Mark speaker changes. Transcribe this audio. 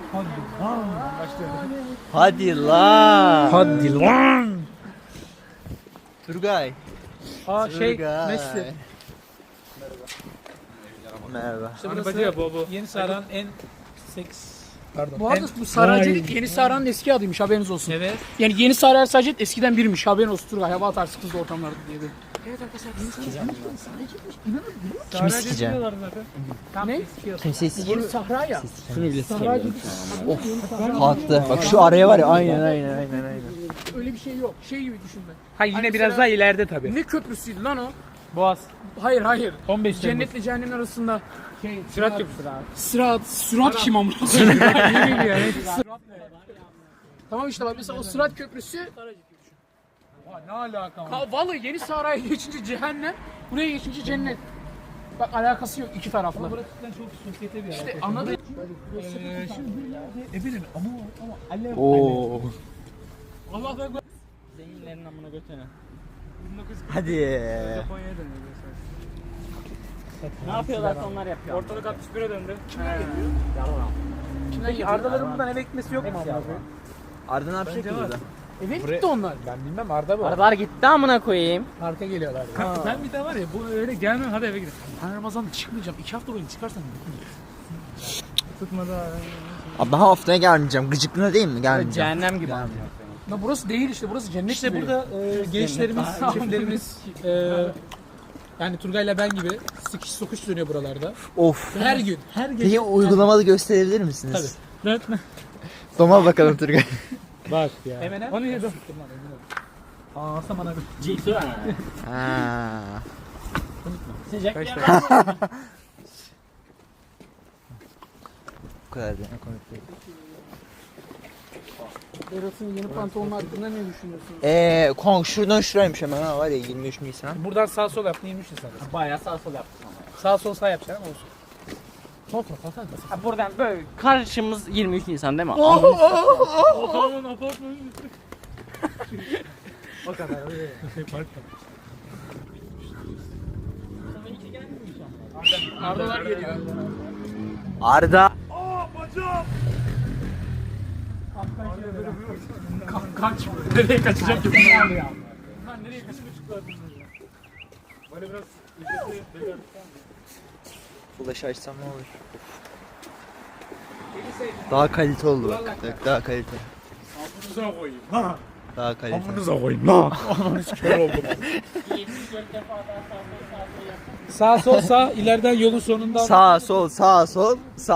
Speaker 1: Hadi lan.
Speaker 2: Hadi lan.
Speaker 1: Turgay.
Speaker 2: Turgay.
Speaker 3: Messi.
Speaker 1: Merhaba.
Speaker 3: İşte
Speaker 2: Hani
Speaker 3: burası
Speaker 2: bacı bu.
Speaker 3: Yeni Saran en seks. Pardon.
Speaker 4: Bu arada bu Saraycılık
Speaker 2: Vay.
Speaker 4: Yeni Saran'ın eski adıymış, haberiniz olsun.
Speaker 3: Evet.
Speaker 4: Yani Yeni Saray sadece eskiden birmiş, haberin olsun Turgay. Hava atarsın kızlı ortamlarda diye de. Evet arkadaşlar, Yeni
Speaker 1: Kimi sikeceğim?
Speaker 4: Ne?
Speaker 1: Kimseyi
Speaker 4: Yeni Sahra ya.
Speaker 1: Şunu bile
Speaker 4: Saraycılık.
Speaker 1: kalktı. Bak şu araya var ya aynen.
Speaker 4: Öyle bir şey yok. Şey gibi düşünme.
Speaker 2: Hayır yine
Speaker 4: Hani
Speaker 2: biraz
Speaker 4: mesela-
Speaker 2: daha ileride tabii.
Speaker 4: Ne köprüsüydü lan o?
Speaker 2: Boğaz.
Speaker 4: Hayır.
Speaker 2: 15 Temmuz.
Speaker 4: Cennetle cehennemin arasında.
Speaker 2: Sürat köprüsü abi.
Speaker 4: Sırat kim amına? Tamam işte bak mesela o Sırat Köprüsü.
Speaker 2: Ne alaka var?
Speaker 4: Vallahi Yeni Saray'a geçince cehennem, buraya geçince cennet. Bak alakası yok iki tarafla.
Speaker 3: Burası çok sosyete bir yer.
Speaker 4: İşte anladın?
Speaker 3: Ebenin ama alev.
Speaker 1: Oo.
Speaker 4: Allah da
Speaker 2: Zenginlerin amına götüne.
Speaker 1: Hadi.
Speaker 2: Japonya'ya dönüyor. Ne yapıyorlar onlar yapıyor. Ortalık 61'e döndü.
Speaker 4: Peki
Speaker 3: Ardaların buradan eve gitmesi yok mu?
Speaker 1: Arda ne yapacak ki burada?
Speaker 4: eve gitti onlar.
Speaker 3: Ben bilmem Arda bu.
Speaker 2: Arabalar gitti amına koyayım.
Speaker 4: Parka geliyorlar.
Speaker 3: Ben bir daha var ya bu öyle gelmem hadi eve gidelim.
Speaker 4: Ben Ramazan'da çıkmayacağım. 2 hafta boyunca çıkarsam.
Speaker 2: Tutmadı abi.
Speaker 1: Abi daha haftaya gelmeyeceğim. Gıcıklığına değil mi? Gelmeyeceğim.
Speaker 2: Cehennem gibi.
Speaker 4: Ya burası değil işte, burası cennet
Speaker 3: İşte
Speaker 4: gibi.
Speaker 3: burada gençlerimiz, çiftlerimiz yani Turgay'la ben gibi sıkış sokuş dönüyor buralarda.
Speaker 1: Of.
Speaker 3: Her gün, her gece.
Speaker 1: Peki uygulamalı gösterebilir misiniz?
Speaker 3: Tabii.
Speaker 1: Doma bakalım Turgay.
Speaker 3: Bak ya. Emine.
Speaker 2: Onu yedim.
Speaker 3: Aa samana.
Speaker 1: Ha.
Speaker 2: Sıcak
Speaker 3: Kaç
Speaker 2: ya.
Speaker 1: Bu kadar da ne komik değil.
Speaker 4: Berat'ın yeni pantolonu hakkında ne düşünüyorsun?
Speaker 1: Kong şuradan şuraymış hemen ha var ya 23 Nisan.
Speaker 3: Buradan sağ sol yaptın 23 Nisan.
Speaker 2: Bayağı sağ sol yaptım ama.
Speaker 3: Sağ sol sağ yapacaksın ama olsun.
Speaker 2: Ha, buradan böyle karşımız 23 Nisan değil mi?
Speaker 3: Otoman apartmanın üstü. O kadar.
Speaker 4: Ardalar geliyor.
Speaker 1: Arda.
Speaker 4: Kaç. Nereye kaçacak ki? Nereye
Speaker 1: Flash açsam ne olur? Daha kalite oldu bak. Bak daha kalite. Daha kalite.
Speaker 3: Sağ sol sağ ileriden yolun sonundan
Speaker 1: Sağ sol sağ sol sağ.